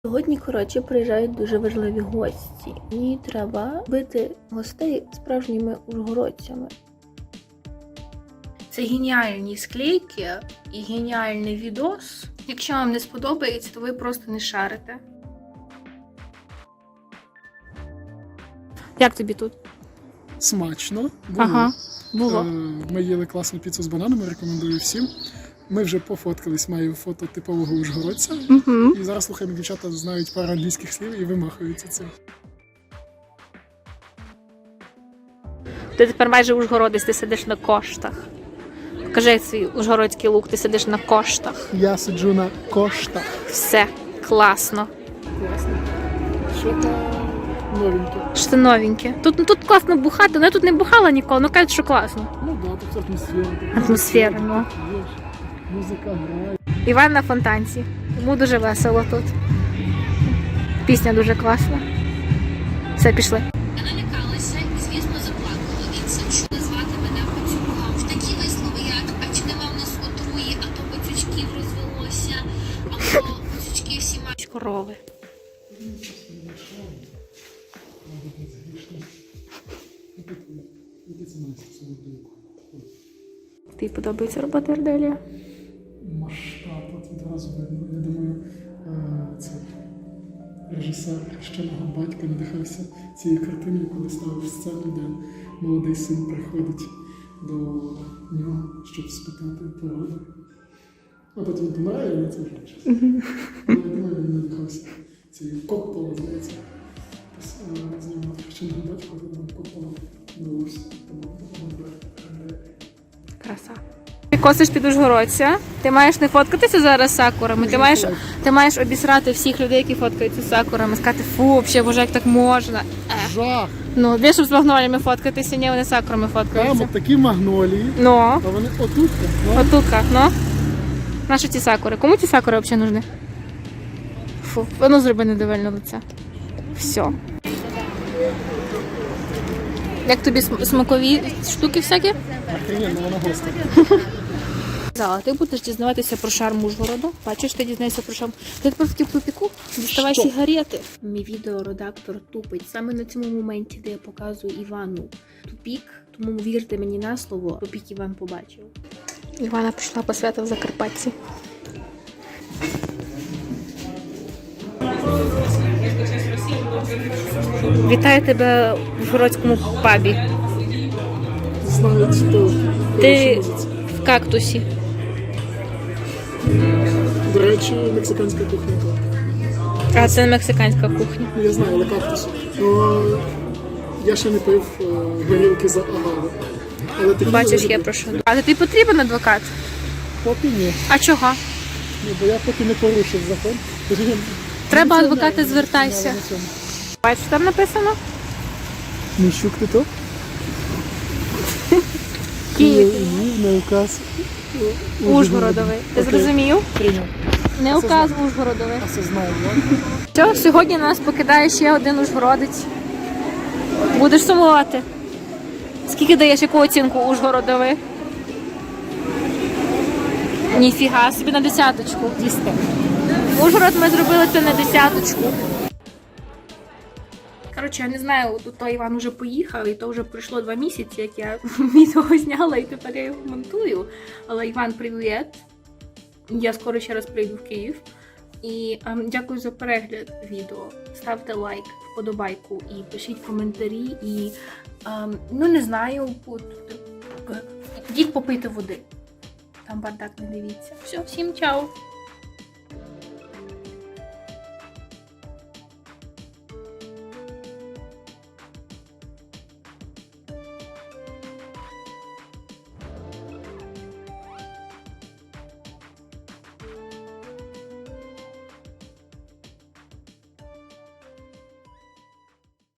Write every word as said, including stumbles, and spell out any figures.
Сьогодні, коротше, приїжджають дуже важливі гості. Мені треба бити гостей справжніми ужгородцями. Це геніальні склейки і геніальний відос. Якщо вам не сподобається, то ви просто не шарите. Як тобі тут? Смачно. Було. Ага, було. Ми їли класну піцу з бананами, рекомендую всім. Ми вже пофоткались, маю фото типового ужгородця. Угу. І зараз слухаємо, дівчата знають пару англійських слів і вимахуються цим. Ти тепер майже ужгородець, ти сидиш на коштах. Покажи свій ужгородський лук, ти сидиш на коштах. Я сиджу на коштах. Все, класно. Класно. Що там новеньке? Що це новеньке. Тут, тут класно бухати, але я тут не бухала ніколи, але кажуть, що класно. Ну так, да, тут атмосфера. Атмосфера, ну. Музика грає. Іван на фонтанці. Йому дуже весело тут. Пісня дуже класна. Все, пішли. Я налякалася і, звісно, заплакала. І це чули звати мене пацюком. Такі вислови, як «а чи нема в нас отруї, а то пацючків розвелося», або «пацючки всі мають». Корови. Тобі подобається робота Арделія? Масштаб, от відразу видно. Я думаю, е, це режисер хрещеного батька надихався цією картиною, коли ставив сцену, де молодий син приходить до нього, щоб спитати поради. А потім він помирає, але це вже щось. Але я думаю, він надихався цією Коппола, здається. Знімав хрещеного батька, коли там Коппола вдалося. Тому Краса. Ти косиш під ужгородця. Ти маєш не фоткатися зараз з сакурами. Ти маєш, ти маєш обісрати всіх людей, які фоткаються з сакурами. Сказати, фу, взагалі, боже, як так можна. Е. жах! Ну, де щоб з магноліями фоткатися, ні, вони з сакурами Там фоткаються. от такі магнолії, Ну, а вони отут. Ну, отутка, ну. Наші ці сакури. Кому ці сакури взагалі нужны? Фу, воно зроби недовольне лице. Все. Як тобі см- смакові штуки всякі? охрененно, вона гостра. Зала, ти будеш дізнаватися про шарм Ужгороду. Бачиш, ти дізнаєшся про шарм. Ти тепер в тупіку, діставай Що? сигарети. Мій відеоредактор тупить. Саме на цьому моменті, де я показую Івану тупік, тому вірте мені на слово, тупік Іван побачив. Івана пішла по свято в Закарпатті. Вітаю тебе в Ужгородському пабі. Знають, хто Ти в кактусі. До речі, мексиканська кухня. А це не мексиканська кухня. Ну, я знаю, але кактус. Ну, я ще не пив е, горілки за агаву. Але такі Бачиш, люди- я прошу. А тобі потрібен адвокат? Поки ні. А чого? Ну, бо я поки не порушив закон. Тож я- Треба на адвоката, цьому- звертайся. на цьому. Бачиш, там написано? Міщук ти то? Київ. Львів на указ. Ужгородовий. Ти Окей. зрозумів? Прийняв. Не указ Ужгородовий. А це знаю, так? Що, сьогодні нас покидає ще один ужгородець. Будеш сумувати. Скільки даєш, яку оцінку Ужгородовий? Ніфіга собі, на десяточку. Дістав. Ужгород ми зробили це на десяточку. Коротше, я не знаю, тут той Іван уже поїхав, і то вже пройшло два місяці, як я відео зняла, і тепер я його монтую. Але Іван, привіт! Я скоро ще раз прийду в Київ. І ем, дякую за перегляд відео. Ставте лайк, вподобайку і пишіть коментарі. І ем, ну не знаю, от, йдіть попити води. Там бардак не дивіться. Все, всім чао!